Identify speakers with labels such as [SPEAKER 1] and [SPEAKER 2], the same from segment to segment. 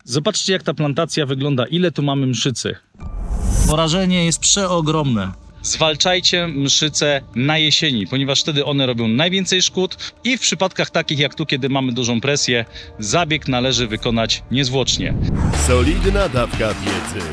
[SPEAKER 1] Zobaczcie, jak ta plantacja wygląda, ile tu mamy mszycy. Porażenie jest przeogromne. Zwalczajcie mszyce na jesieni, ponieważ wtedy one robią najwięcej szkód i w przypadkach takich jak tu, kiedy mamy dużą presję, zabieg należy wykonać niezwłocznie.
[SPEAKER 2] Solidna dawka wiedzy.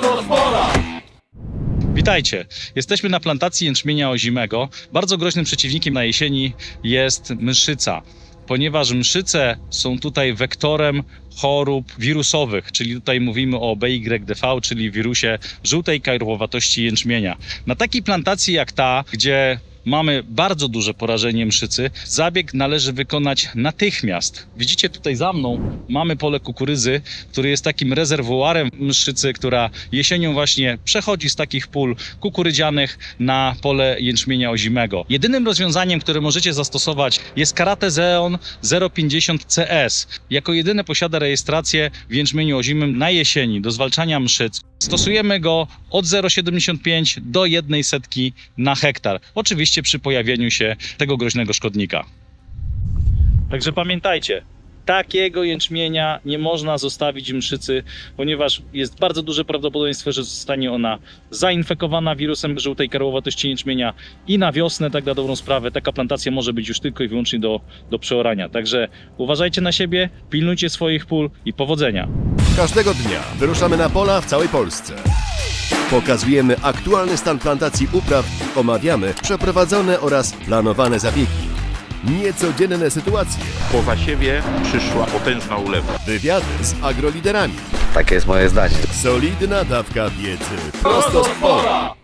[SPEAKER 1] Witajcie! Jesteśmy na plantacji jęczmienia ozimego. Bardzo groźnym przeciwnikiem na jesieni jest mszyca, ponieważ mszyce są tutaj wektorem chorób wirusowych, czyli tutaj mówimy o BYDV, czyli wirusie żółtej karłowatości jęczmienia. Na takiej plantacji jak ta, gdzie mamy bardzo duże porażenie mszycy, zabieg należy wykonać natychmiast. Widzicie tutaj za mną mamy pole kukurydzy, który jest takim rezerwuarem mszycy, która jesienią właśnie przechodzi z takich pól kukurydzianych na pole jęczmienia ozimego. Jedynym rozwiązaniem, które możecie zastosować, jest Karate Zeon 050 CS. Jako jedyne posiada rejestrację w jęczmieniu ozimym na jesieni do zwalczania mszyc. Stosujemy go od 0,75 do 0,01 na hektar. Oczywiście przy pojawieniu się tego groźnego szkodnika. Także pamiętajcie, takiego jęczmienia nie można zostawić mszycy, ponieważ jest bardzo duże prawdopodobieństwo, że zostanie ona zainfekowana wirusem żółtej karłowatości jęczmienia i na wiosnę, tak na dobrą sprawę, taka plantacja może być już tylko i wyłącznie do przeorania. Także uważajcie na siebie, pilnujcie swoich pól i powodzenia.
[SPEAKER 2] Każdego dnia wyruszamy na pola w całej Polsce. Pokazujemy aktualny stan plantacji upraw, omawiamy przeprowadzone oraz planowane zabiegi. Niecodzienne sytuacje,
[SPEAKER 3] Po zasiewie przyszła potężna ulewa.
[SPEAKER 2] wywiady z agroliderami.
[SPEAKER 4] Takie jest moje zdanie.
[SPEAKER 2] Solidna dawka wiedzy. Prosto z pola.